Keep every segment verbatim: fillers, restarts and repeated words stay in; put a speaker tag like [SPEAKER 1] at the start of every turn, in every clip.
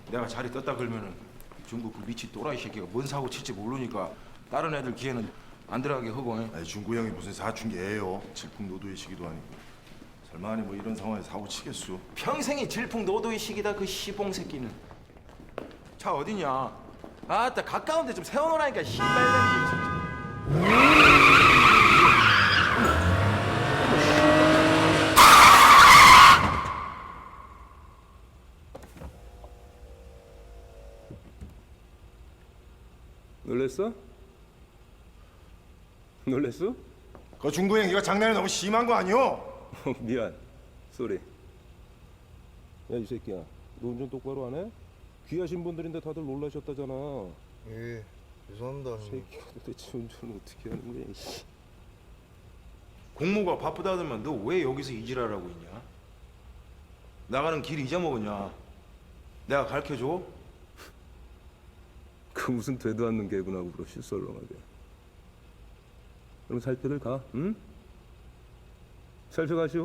[SPEAKER 1] 내가 자리 떴다 그러면은 중국 그 미치 또라이 새끼가 뭔 사고 칠지 모르니까 다른 애들 기회는 안 들어가게 하고. 응?
[SPEAKER 2] 아니 중구 형이 무슨 사춘기예요. 질풍노도의 시기도 아니고. 설마니 뭐 이런 상황에 사고 치겠수?
[SPEAKER 1] 평생이 질풍노도의 시기다 그 시봉 새끼는. 차 어디냐? 아따 가까운 데 좀 세워놓으라니까 씨발년이 진짜.
[SPEAKER 3] 놀랬어? 놀랬어?
[SPEAKER 2] 그 중구 형 이거 장난이 너무 심한 거 아니오?
[SPEAKER 3] 어, 미안. 쏘리. 야, 이 새끼야. 너 운전 똑바로 안 해? 귀하신 분들인데 다들 놀라셨다잖아.
[SPEAKER 4] 예, 죄송합니다. 형님.
[SPEAKER 3] 새끼가 도대체 운전을 어떻게 하는 거야? 이씨.
[SPEAKER 1] 공무가 바쁘다더만 너 왜 여기서 이지랄하고 있냐? 나가는 길 잊어먹었냐? 내가 가르쳐줘?
[SPEAKER 3] 그 무슨 되도 않는 개군하고 그러시 썰렁하게. 그럼 살펴들 가, 응? 살펴가시오.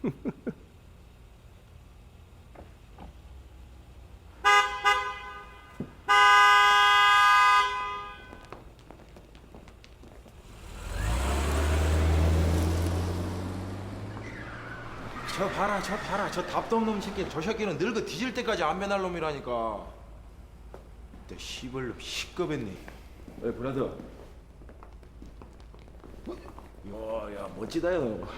[SPEAKER 1] 저 봐라 저 봐라 저 답도 없는 새끼. 저 새끼는 늙어 뒤질 때까지 안 변할 놈이라니까. 내 시벌놈 시겁했네. 왜 브라더? 야야 멋지다 요.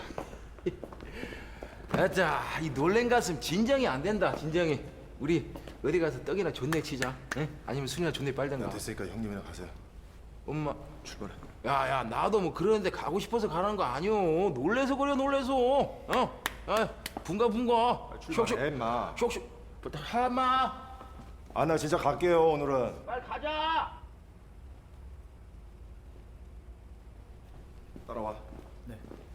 [SPEAKER 1] 아자 이 놀랜 가슴 진정이 안 된다 진정이. 우리 어디 가서 떡이나 존내 치자. 응? 아니면 술이나 존내 빨든가.
[SPEAKER 2] 됐으니까 형님이랑 가세요.
[SPEAKER 1] 엄마
[SPEAKER 2] 출발해.
[SPEAKER 1] 야야 나도 뭐 그러는데 가고 싶어서 가는 거 아니오. 놀래서 그래 놀래서. 어? 아 분가 분가.
[SPEAKER 2] 출발해 임마.
[SPEAKER 1] 쇽쇽 하마.
[SPEAKER 2] 아 나 진짜 갈게요 오늘은.
[SPEAKER 1] 빨리 가자.
[SPEAKER 2] 따라와.
[SPEAKER 5] 네.